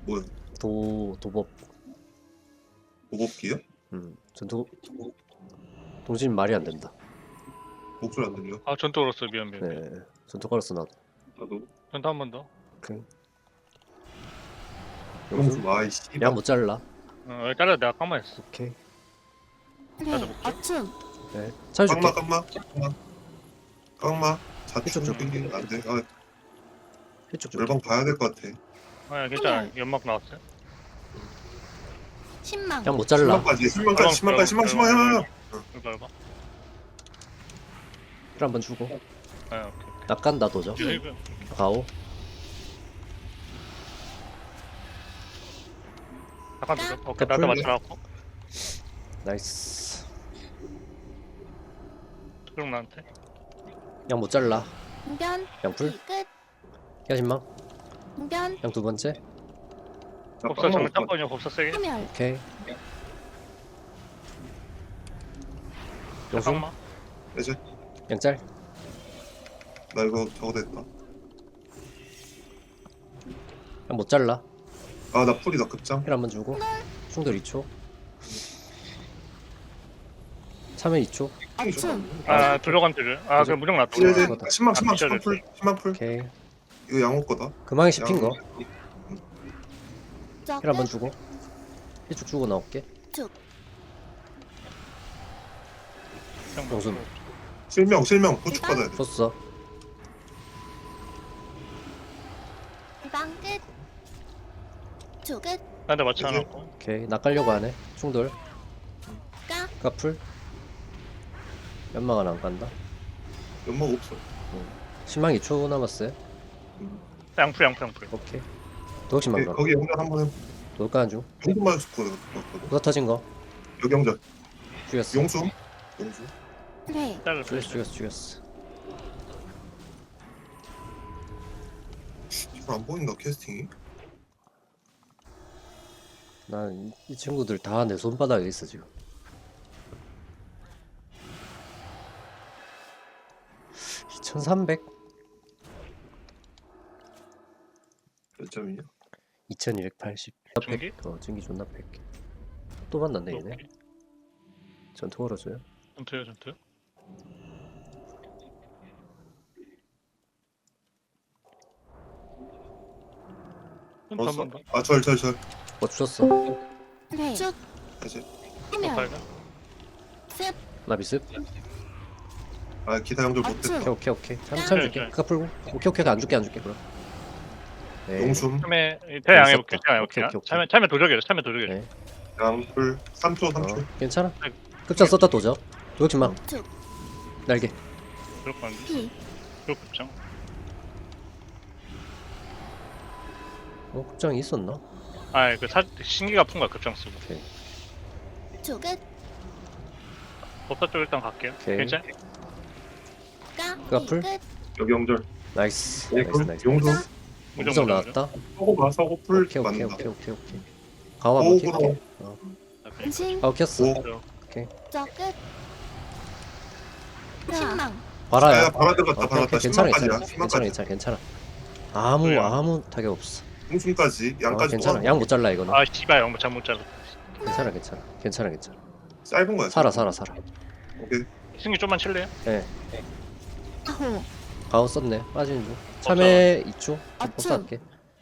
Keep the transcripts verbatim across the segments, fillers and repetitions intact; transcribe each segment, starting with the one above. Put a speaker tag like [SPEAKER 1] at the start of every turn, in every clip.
[SPEAKER 1] 뭐야?
[SPEAKER 2] 도 도법.
[SPEAKER 1] 보급기요?
[SPEAKER 2] 음 전투 동심 말이 안 된다.
[SPEAKER 1] 목소리 안 들려?
[SPEAKER 3] 아 전투 걸었어. 미안 미안 미안.
[SPEAKER 2] 네 전투 걸었어 나도.
[SPEAKER 1] 나도.
[SPEAKER 3] 전투 한 번 더.
[SPEAKER 2] 그
[SPEAKER 1] 용수 아이씨.
[SPEAKER 2] 양못 잘라.
[SPEAKER 3] 어 여기 잘라. 내가 까만 했어.
[SPEAKER 2] 오케이.
[SPEAKER 3] 나도
[SPEAKER 4] 네,
[SPEAKER 3] 볼게.
[SPEAKER 4] 어춤.
[SPEAKER 2] 네 찾아줄게.
[SPEAKER 1] 깡마 깡마 깡마 깡마
[SPEAKER 2] 이쪽 좀.
[SPEAKER 1] 자축 안돼. 아
[SPEAKER 2] 이쪽 좀.
[SPEAKER 1] 열방 봐야 될 것 같아.
[SPEAKER 3] 아 괜찮아. 연막 나왔어요.
[SPEAKER 4] 신망.
[SPEAKER 2] 양못 잘라.
[SPEAKER 1] 십만까지 십만까지 십만까지 십만 십만 십만.
[SPEAKER 3] 이거 봐.
[SPEAKER 2] 힐 한번 주고.
[SPEAKER 3] 아 오케이.
[SPEAKER 2] 낚간다 도저.
[SPEAKER 3] 이거 이거.
[SPEAKER 2] 가오.
[SPEAKER 3] 잠깐 두자. 오케이
[SPEAKER 2] 그
[SPEAKER 3] 나도
[SPEAKER 1] 풀네.
[SPEAKER 3] 맞춰놨고.
[SPEAKER 2] 나이스.
[SPEAKER 3] 그럼 나한테.
[SPEAKER 2] 양못 잘라.
[SPEAKER 4] 공변.
[SPEAKER 2] 양풀.
[SPEAKER 4] 끝.
[SPEAKER 2] 야신망.
[SPEAKER 4] 공변.
[SPEAKER 2] 양 두 번째.
[SPEAKER 3] 법사 정면 짬거냐. 법사 세게.
[SPEAKER 4] 소멸.
[SPEAKER 2] 오케이. 용수.
[SPEAKER 3] 잠깐만.
[SPEAKER 1] 이제
[SPEAKER 2] 양짤.
[SPEAKER 1] 나 이거 저거 됐다.
[SPEAKER 2] 양못 잘라.
[SPEAKER 1] 아 나 풀이다 급장.
[SPEAKER 2] 힐 한번 주고. 충돌 이 초. 참여 이 초.
[SPEAKER 4] 어춤.
[SPEAKER 3] 아 들어간 줄을. 아 그럼 무적 놨다.
[SPEAKER 1] 이제 이제
[SPEAKER 2] 그거다.
[SPEAKER 1] 십만 십만
[SPEAKER 3] 아,
[SPEAKER 1] 십만 풀 십만 풀.
[SPEAKER 2] 오케이.
[SPEAKER 1] 이거 양호 거다.
[SPEAKER 2] 금왕에 씹힌 거.
[SPEAKER 4] 저
[SPEAKER 2] 힐 한번
[SPEAKER 4] 끝.
[SPEAKER 2] 주고. 힐쭉 주고 나올게. 용수.
[SPEAKER 1] 실명 실명 보축 받아야 돼.
[SPEAKER 2] 썼어.
[SPEAKER 4] 방 끝. 조 끝.
[SPEAKER 3] 나한테 맞춰놨고.
[SPEAKER 2] 오케이. 낚으려고 하네. 충돌.
[SPEAKER 4] 까.
[SPEAKER 2] 까풀. 연막은 안 간다.
[SPEAKER 1] 연막 없어.
[SPEAKER 2] 신망 이 초 남았어요.
[SPEAKER 3] 양풀 양풀 양풀.
[SPEAKER 2] 오케이. 도덕심만
[SPEAKER 1] 네,
[SPEAKER 2] 가.
[SPEAKER 1] 거기 연결 한번 해.
[SPEAKER 2] 도덕가는 중.
[SPEAKER 1] 용수만 죽고 내가
[SPEAKER 2] 부서 터진 거.
[SPEAKER 1] 여기 연결.
[SPEAKER 2] 죽였어.
[SPEAKER 1] 용수. 용수.
[SPEAKER 4] 네.
[SPEAKER 3] 잘라.
[SPEAKER 2] 죽였어 죽였어 죽였어.
[SPEAKER 1] 이거 안 보인다 캐스팅이.
[SPEAKER 2] 난 이 친구들 다 내 손바닥에 있어 지금. 이천삼백?
[SPEAKER 1] 몇 점이냐?
[SPEAKER 2] 이천이백팔십.
[SPEAKER 3] 중기?
[SPEAKER 2] 어 증기 존나 백 개. 또 만났네 얘네.
[SPEAKER 3] 오케이.
[SPEAKER 2] 전투 걸어줘요.
[SPEAKER 3] 전투요 전투요. 전투
[SPEAKER 1] 벌써?
[SPEAKER 3] 한번 더.
[SPEAKER 1] 아절 절 절.
[SPEAKER 2] 뭐 주셨어?
[SPEAKER 4] 네. 쭉.
[SPEAKER 1] 다시.
[SPEAKER 4] 소멸.
[SPEAKER 3] 발가.
[SPEAKER 4] 습.
[SPEAKER 2] 나 비습?
[SPEAKER 1] 아 기타 연결 못했다.
[SPEAKER 2] 오케이 오케이 오케이. 참, 참 줄게.
[SPEAKER 3] 네, 네.
[SPEAKER 2] 그까 풀고. 오케이 오케이 안 줄게 안 줄게 그럼. 네.
[SPEAKER 1] 용숨
[SPEAKER 3] 참에 대양 해볼게.
[SPEAKER 2] 있었다.
[SPEAKER 3] 대양
[SPEAKER 2] 오케이,
[SPEAKER 3] 해볼게.
[SPEAKER 2] 오케이, 오케이.
[SPEAKER 3] 참에 참에 도적이래. 참에 도적이래.
[SPEAKER 2] 네.
[SPEAKER 1] 양풀 삼 초 삼 초.
[SPEAKER 2] 어, 괜찮아.
[SPEAKER 3] 네.
[SPEAKER 2] 급장 썼다 도적. 도적심망.
[SPEAKER 4] 쭉.
[SPEAKER 2] 날개.
[SPEAKER 3] 그럴 거 같은데.
[SPEAKER 4] 피.
[SPEAKER 3] 그럴 급장.
[SPEAKER 2] 어 급장이 있었나?
[SPEAKER 3] 아그 사 신기가 푼 거야 급장 쓰고.
[SPEAKER 2] 오케이.
[SPEAKER 4] 조 끝.
[SPEAKER 3] 법사 쪽 일단 갈게요.
[SPEAKER 2] 오케이.
[SPEAKER 3] 괜찮?
[SPEAKER 4] 까.
[SPEAKER 2] 까
[SPEAKER 4] 피
[SPEAKER 2] 풀?
[SPEAKER 4] 끝.
[SPEAKER 1] 여기 연결.
[SPEAKER 2] 나이스.
[SPEAKER 1] 예,
[SPEAKER 2] 나이스
[SPEAKER 1] 그럼
[SPEAKER 2] 나이스.
[SPEAKER 1] 용수.
[SPEAKER 2] 무적 나왔다.
[SPEAKER 1] 서고 봐 서고 풀
[SPEAKER 2] 오케이 오케이
[SPEAKER 1] 맞는다.
[SPEAKER 2] 오케이 오케이 오케이. 가와 한번
[SPEAKER 1] 오고로.
[SPEAKER 2] 킬게.
[SPEAKER 4] 은신.
[SPEAKER 2] 가오 켰어.
[SPEAKER 1] 오.
[SPEAKER 4] 저 끝. 신망.
[SPEAKER 2] 봐라야.
[SPEAKER 1] 야 바라 들어갔다
[SPEAKER 2] 오케이,
[SPEAKER 1] 바라
[SPEAKER 2] 오케이.
[SPEAKER 1] 다
[SPEAKER 2] 괜찮아
[SPEAKER 1] 십만까지야.
[SPEAKER 2] 괜찮아 괜찮아
[SPEAKER 1] 십만까지.
[SPEAKER 2] 괜찮아 괜찮아. 아무
[SPEAKER 3] 그래요.
[SPEAKER 2] 아무 타격 없어.
[SPEAKER 1] 용숨까지
[SPEAKER 2] 어,
[SPEAKER 1] 양까지.
[SPEAKER 2] 괜찮아. 양 못 잘라 이거는.
[SPEAKER 3] 아 씨발 영못 잘못 잘라.
[SPEAKER 2] 괜찮아 괜찮아 괜찮아 괜찮아.
[SPEAKER 1] 짧은 거야.
[SPEAKER 2] 살아 살아 살아.
[SPEAKER 1] 오케이.
[SPEAKER 3] 신기 좀만 칠래요?
[SPEAKER 2] 예.
[SPEAKER 4] 아호.
[SPEAKER 2] 가오 썼네. 빠지는 중. 참외 이 초.
[SPEAKER 4] 아추.
[SPEAKER 2] 복사할게.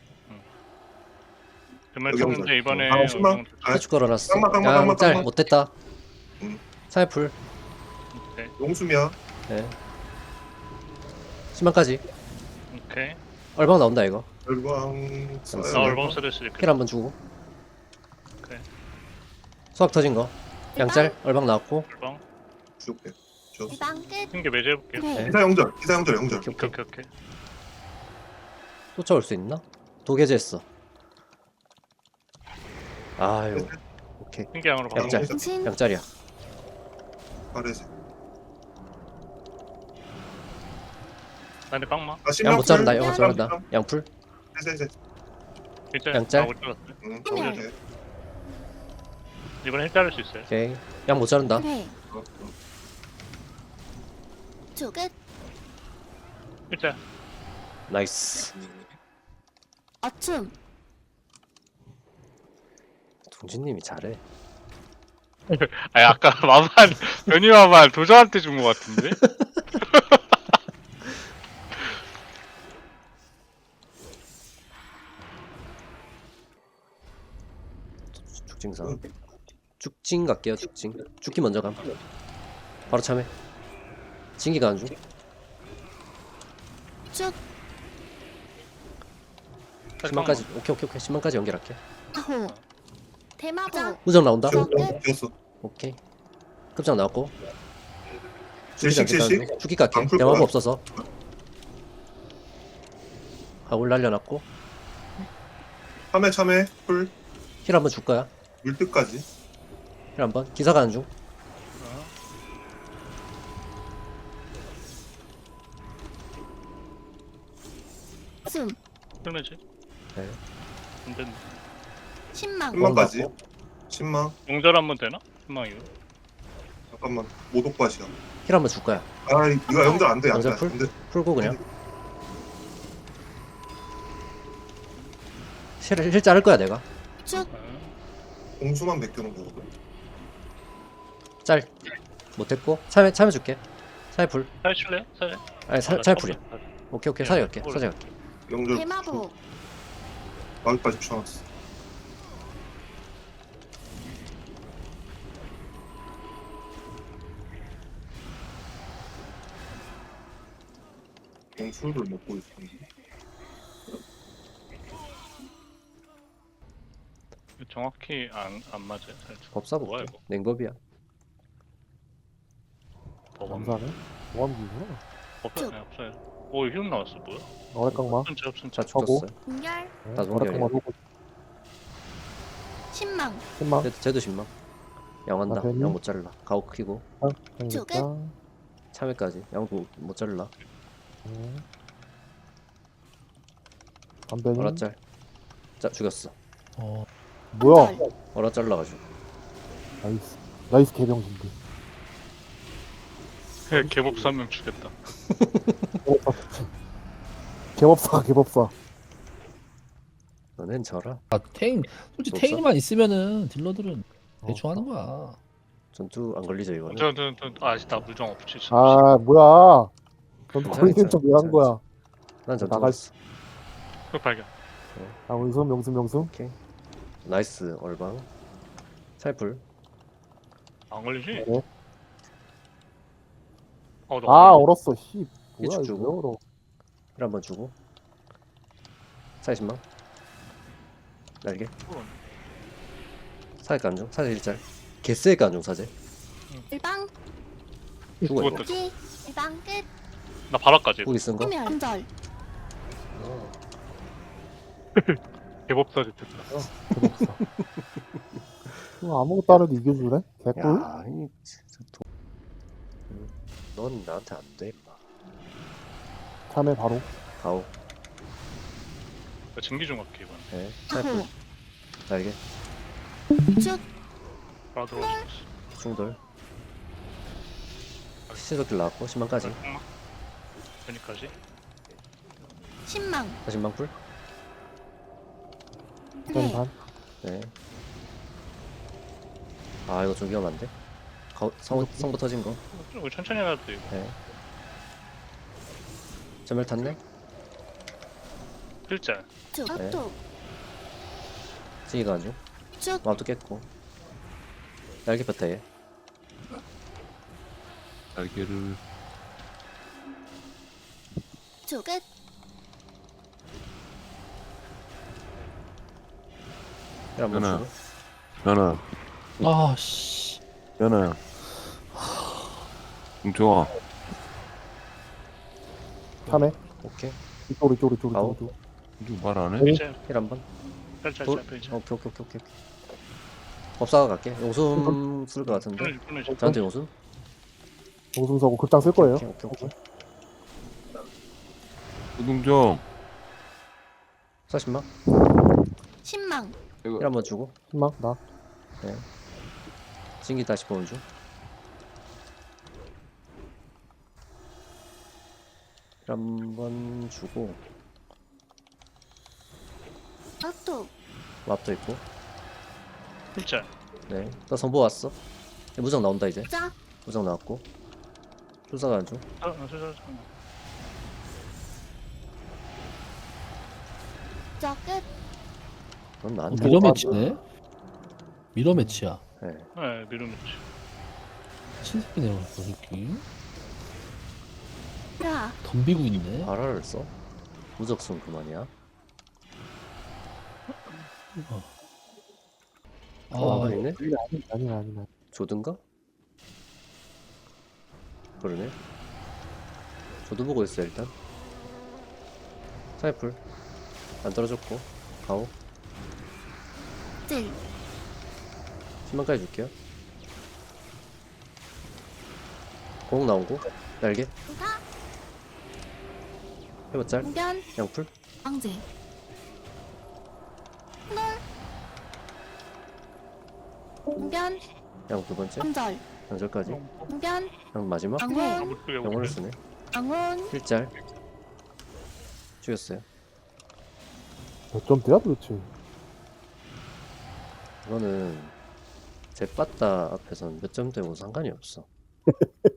[SPEAKER 3] 그러면
[SPEAKER 1] 여기
[SPEAKER 3] 쳤는데
[SPEAKER 1] 영상.
[SPEAKER 3] 이번에
[SPEAKER 1] 아, 십만? 아,
[SPEAKER 2] 해축 걸어놨어.
[SPEAKER 1] 깡마, 깡마, 깡마,
[SPEAKER 2] 양짤
[SPEAKER 1] 깡마.
[SPEAKER 2] 못됐다.
[SPEAKER 1] 응.
[SPEAKER 2] 사회풀.
[SPEAKER 3] 오케이.
[SPEAKER 1] 용숨이야.
[SPEAKER 2] 예. 십만까지.
[SPEAKER 3] 오케이.
[SPEAKER 2] 얼방 나온다 이거.
[SPEAKER 1] 열광.
[SPEAKER 3] 나 얼방 쓰를 수 있게.
[SPEAKER 2] 킬 한번 주고.
[SPEAKER 3] 오케이.
[SPEAKER 2] 수학 터진 거. 양짤 얼방 나왔고.
[SPEAKER 3] 얼방.
[SPEAKER 1] 줄게. 줘.
[SPEAKER 4] 방 끝.
[SPEAKER 3] 신기 매제 해볼게요.
[SPEAKER 4] 네.
[SPEAKER 1] 기사 연결. 기사 연결 연결.
[SPEAKER 2] 오케이
[SPEAKER 3] 오케이
[SPEAKER 2] 오케이.
[SPEAKER 3] 오케이 오케이.
[SPEAKER 2] 쫓아올 수 있나? 도계제했어. 아유. 오케이.
[SPEAKER 3] 신기 양으로 바로.
[SPEAKER 2] 양짤.
[SPEAKER 4] 은신.
[SPEAKER 2] 양짤이야.
[SPEAKER 1] 빠르지.
[SPEAKER 3] 나한테 깡마.
[SPEAKER 1] 아 십만
[SPEAKER 2] 양 못 자른다.
[SPEAKER 1] 풀.
[SPEAKER 2] 양 못
[SPEAKER 1] 십만
[SPEAKER 2] 자른다.
[SPEAKER 1] 풀.
[SPEAKER 2] 양풀.
[SPEAKER 1] 이제 이제.
[SPEAKER 3] 일단
[SPEAKER 2] 양짤?
[SPEAKER 3] 아, 못 잘랐어.
[SPEAKER 1] 응.
[SPEAKER 4] 그냥.
[SPEAKER 1] 오케이.
[SPEAKER 3] 이번에 힐 자를 수 있어요.
[SPEAKER 2] 오케이. 양 못 자른다.
[SPEAKER 4] 네.
[SPEAKER 1] 어, 어.
[SPEAKER 4] 조 끝.
[SPEAKER 3] 일단
[SPEAKER 2] 나이스.
[SPEAKER 4] 어춤.
[SPEAKER 2] 동진님이 잘해.
[SPEAKER 3] 아니 아까 마반 변이 마반 도저한테 준 것 같은데?
[SPEAKER 2] 죽징상. 죽징 갈게요. 죽징. 죽기 먼저 감. 바로 참해. 진기가 안 중.
[SPEAKER 4] 쭉.
[SPEAKER 2] 십만까지. 오케이 오케이 오케이. 십만까지 연결할게.
[SPEAKER 4] 아호. 대마보.
[SPEAKER 2] 우정 나온다.
[SPEAKER 1] 쭉 뛰었어.
[SPEAKER 2] 오케이. 급장 나왔고.
[SPEAKER 1] 칠십 칠십.
[SPEAKER 2] 죽기 갈게.
[SPEAKER 1] 안 풀
[SPEAKER 2] 대마법
[SPEAKER 1] 거야.
[SPEAKER 2] 없어서. 하울 날려놨고.
[SPEAKER 1] 참외 참외 풀
[SPEAKER 2] 힐 한번 줄 거야.
[SPEAKER 1] 물뜻까지.
[SPEAKER 2] 힐 한번. 기사가 안 중.
[SPEAKER 4] 숨.
[SPEAKER 3] 끝내지?
[SPEAKER 2] 네.
[SPEAKER 3] 안 된다.
[SPEAKER 4] 신망.
[SPEAKER 1] 십만까지.
[SPEAKER 2] 나왔고.
[SPEAKER 1] 십만.
[SPEAKER 3] 용절 한번 되나? 희망이요.
[SPEAKER 1] 잠깐만. 모독밭이야.
[SPEAKER 2] 힐 한번 줄 거야.
[SPEAKER 1] 아 이거 영절 안 돼. 안 돼.
[SPEAKER 2] 영절 풀?
[SPEAKER 1] 안 돼.
[SPEAKER 2] 풀고 그냥. 힐, 힐 자를 거야 내가.
[SPEAKER 4] 쭉.
[SPEAKER 1] 공수만 베껴놓은 거거든.
[SPEAKER 2] 짤. 못했고. 참여 참여 줄게. 사회 풀.
[SPEAKER 3] 살 칠래요? 살?
[SPEAKER 2] 아니 사, 사회 풀이야. 오케이 오케이 사회 갈게. 사제 갈게.
[SPEAKER 1] 영절.
[SPEAKER 4] 대마보.
[SPEAKER 1] 마을까지 붙여놨어. 공수를 먹고 있어.
[SPEAKER 3] 정확히 안, 안 맞아요. 살짝.
[SPEAKER 2] 법사
[SPEAKER 3] 뭐야
[SPEAKER 2] 볼게.
[SPEAKER 3] 이거?
[SPEAKER 2] 냉법이야.
[SPEAKER 3] 법안
[SPEAKER 5] 감사하네. 모함기구나.
[SPEAKER 3] 없어요. 네, 없어요. 오 흉 나왔어 뭐야?
[SPEAKER 5] 어렉깡마.
[SPEAKER 3] 없은지 없은지.
[SPEAKER 2] 자
[SPEAKER 5] 하고.
[SPEAKER 2] 죽었어요.
[SPEAKER 4] 공열.
[SPEAKER 2] 다 동결이야.
[SPEAKER 5] 어렉깡마 보고
[SPEAKER 4] 신망.
[SPEAKER 5] 신망.
[SPEAKER 2] 쟤도, 쟤도 신망. 양한다.
[SPEAKER 5] 아, 괜히?
[SPEAKER 2] 양 못 자르라. 가오 크고
[SPEAKER 5] 생겼다.
[SPEAKER 2] 참외까지. 양도 못 자르라.
[SPEAKER 5] 담배님.
[SPEAKER 2] 어라 짤. 자 죽였어.
[SPEAKER 5] 어. 뭐야?
[SPEAKER 2] 어라 잘라가지고.
[SPEAKER 5] 나이스. 나이스 개병신들.
[SPEAKER 3] 개- 개법사 한 명 죽였다.
[SPEAKER 5] 개법사 개법사.
[SPEAKER 2] 너넨 져라.
[SPEAKER 6] 아, 탱, 솔직히
[SPEAKER 2] 없어?
[SPEAKER 6] 탱만 있으면은 딜러들은
[SPEAKER 5] 어.
[SPEAKER 6] 대충 하는 거야.
[SPEAKER 2] 전투 안 걸리죠 이거는.
[SPEAKER 3] 저저저 아직다 물정 없지.
[SPEAKER 5] 아 뭐야? 전
[SPEAKER 2] 괜찮아,
[SPEAKER 5] 걸리는
[SPEAKER 2] 괜찮아,
[SPEAKER 5] 척 왜 한
[SPEAKER 2] 괜찮아,
[SPEAKER 5] 거야?
[SPEAKER 2] 난 전투
[SPEAKER 5] 나갈
[SPEAKER 2] 갔어.
[SPEAKER 3] 그 발견.
[SPEAKER 5] 아 원수 명수 명수.
[SPEAKER 2] 오케이. 나이스 얼방. 살풀.
[SPEAKER 3] 안 걸리지?
[SPEAKER 5] 네.
[SPEAKER 3] 어, 너
[SPEAKER 5] 아
[SPEAKER 3] 걸려.
[SPEAKER 5] 얼었어. 씨. 뭐야
[SPEAKER 2] 일축
[SPEAKER 5] 이거
[SPEAKER 2] 주고.
[SPEAKER 5] 왜 얼어?
[SPEAKER 2] 힐 한번 주고. 사십만. 날개. 사제 간중. 사제 일짤. 개쎄 간중 사제.
[SPEAKER 4] 일방.
[SPEAKER 2] 죽어 이거.
[SPEAKER 3] 죽었다.
[SPEAKER 4] 기. 일방 끝.
[SPEAKER 3] 나 바닥까지.
[SPEAKER 2] 후기 쓴 거.
[SPEAKER 4] 소멸. 공절.
[SPEAKER 3] 개법사 됐다.
[SPEAKER 5] 개법사. 이거 아무것도 안 해도 이겨주네. 개꿀.
[SPEAKER 2] 야, 이 진짜 도... 음, 넌 나한테 안 돼, 임마.
[SPEAKER 5] 참에 바로.
[SPEAKER 2] 가오.
[SPEAKER 3] 나 증기 좀 할게 이번.
[SPEAKER 2] 네. 살풀.
[SPEAKER 4] 아호.
[SPEAKER 2] 날개.
[SPEAKER 4] 쭉.
[SPEAKER 3] 바로 들어왔어.
[SPEAKER 2] 충돌. 시속길 나왔고 십만까지.
[SPEAKER 3] 여기까지.
[SPEAKER 4] 신망.
[SPEAKER 2] 사십만 풀.
[SPEAKER 4] 네.
[SPEAKER 5] 반.
[SPEAKER 2] 네. 아 이거 좀 위험한데. 가, 성, 성부 터진 거.
[SPEAKER 3] 우리 천천히 해도 돼 이거.
[SPEAKER 2] 네. 전멸 탔네.
[SPEAKER 3] 필자.
[SPEAKER 4] 쭉.
[SPEAKER 2] 네.
[SPEAKER 4] 앞도.
[SPEAKER 2] 찌기가 아주.
[SPEAKER 4] 쭉.
[SPEAKER 2] 마음도 깼고. 날개 뺐다 얘.
[SPEAKER 7] 날개를
[SPEAKER 4] 쭉 끝.
[SPEAKER 2] 힐 한번
[SPEAKER 7] 하나.
[SPEAKER 2] 주고.
[SPEAKER 7] 연아
[SPEAKER 6] 아, 씨.
[SPEAKER 7] 연아 웅종아
[SPEAKER 5] 참에.
[SPEAKER 2] 오케이.
[SPEAKER 5] 이쪽 이쪽 이쪽
[SPEAKER 2] 아우.
[SPEAKER 5] 이쪽.
[SPEAKER 7] 이거 말 안 해?
[SPEAKER 3] 필자.
[SPEAKER 2] 힐 한번.
[SPEAKER 3] 필자.
[SPEAKER 2] 돌.
[SPEAKER 3] 필자.
[SPEAKER 2] 오케이 오케이 오케이 오케이. 법사가 갈게. 용숨 쓸 것 같은데.
[SPEAKER 3] 끊어지 끊어지.
[SPEAKER 2] 저한테 용숨.
[SPEAKER 5] 용숨 서고 극장 쓸 거예요.
[SPEAKER 2] 오케이 오케이 오케이.
[SPEAKER 7] 우동정
[SPEAKER 2] 사십만.
[SPEAKER 4] 신망.
[SPEAKER 2] 힐 한번 주고.
[SPEAKER 5] 신망 나.
[SPEAKER 2] 진기 다시 보는 중. 힐 한번 주고.
[SPEAKER 4] 앞도.
[SPEAKER 2] 왑도 있고.
[SPEAKER 3] 진짜.
[SPEAKER 2] 네. 나 선보 왔어. 네, 무적 나온다 이제.
[SPEAKER 4] 자.
[SPEAKER 2] 무적 나왔고. 출사 가는 중.
[SPEAKER 3] 어, 어, 저, 저, 저.
[SPEAKER 4] 저 끝.
[SPEAKER 2] 넌
[SPEAKER 6] 어,
[SPEAKER 2] 나한테.
[SPEAKER 6] 미러 매치네. 미러 매치야.
[SPEAKER 2] 네.
[SPEAKER 3] 네, 미루미치.
[SPEAKER 6] 신새끼 내려갔어, 새끼.
[SPEAKER 4] 자.
[SPEAKER 6] 덤비고 있네.
[SPEAKER 2] 바라를 써. 무적 쓴 그만이야.
[SPEAKER 6] 아,
[SPEAKER 2] 어, 아니네.
[SPEAKER 5] 아니 아니 아니 아니.
[SPEAKER 2] 조든가? 그러네. 조드 보고 있어 일단. 사이풀 안 떨어졌고 가오.
[SPEAKER 4] 질.
[SPEAKER 2] 십만까지 줄게요. 공 나오고 날개
[SPEAKER 4] 사.
[SPEAKER 2] 해보짤
[SPEAKER 4] 공변.
[SPEAKER 2] 양풀
[SPEAKER 4] 왕제. 놀. 공변.
[SPEAKER 2] 양 두 번째
[SPEAKER 4] 함절.
[SPEAKER 2] 양절까지
[SPEAKER 4] 공변.
[SPEAKER 2] 양 마지막
[SPEAKER 4] 앙혼.
[SPEAKER 3] 아무튼
[SPEAKER 2] 영혼을 쓰네.
[SPEAKER 4] 앙혼.
[SPEAKER 2] 일짤 죽였어요.
[SPEAKER 5] 몇 점대야 도대체?
[SPEAKER 2] 이거는 제빠따 앞에서는 몇 점대고 상관이 없어.